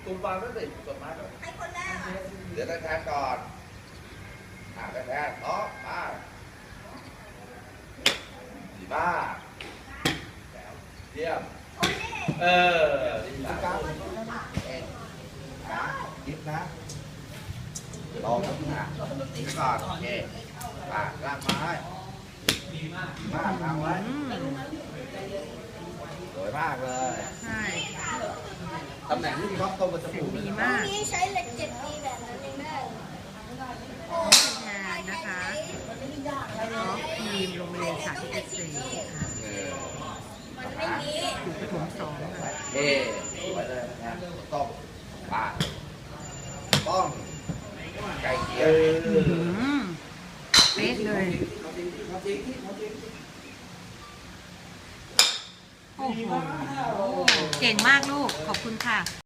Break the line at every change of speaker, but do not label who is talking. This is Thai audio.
ตุ้มฟังแล้วสิกดมาก่อน
ให้คนแรกอ่ะ
เดี๋ยวแทนก่อนแทนอ๋อมาดีมากเยี่ยม
โอ้ย
ดีมากยิบนะลองนะยิบก่อนโอเคลากไม้ดีมากลากไว้สวยมากเลย
ใช่
ตำแหน่งที่มีความตรงกับจมูก
ดี
ตร
มาง ก
นี้ใช้เหล็ก7 ปีแบบนั้นเองแม่โอ้
แทนนะคะน้องทีมโรงเรียนสาธิตเกษตรค่ะ
มันไม่มี
อยู่ประถม2ค่ะ
สวยเลยนะต้องต้องไก่เกี๊ยว
เป๊ะเลยโอ้โหเก่งมากลูก ขอบคุณค่ะ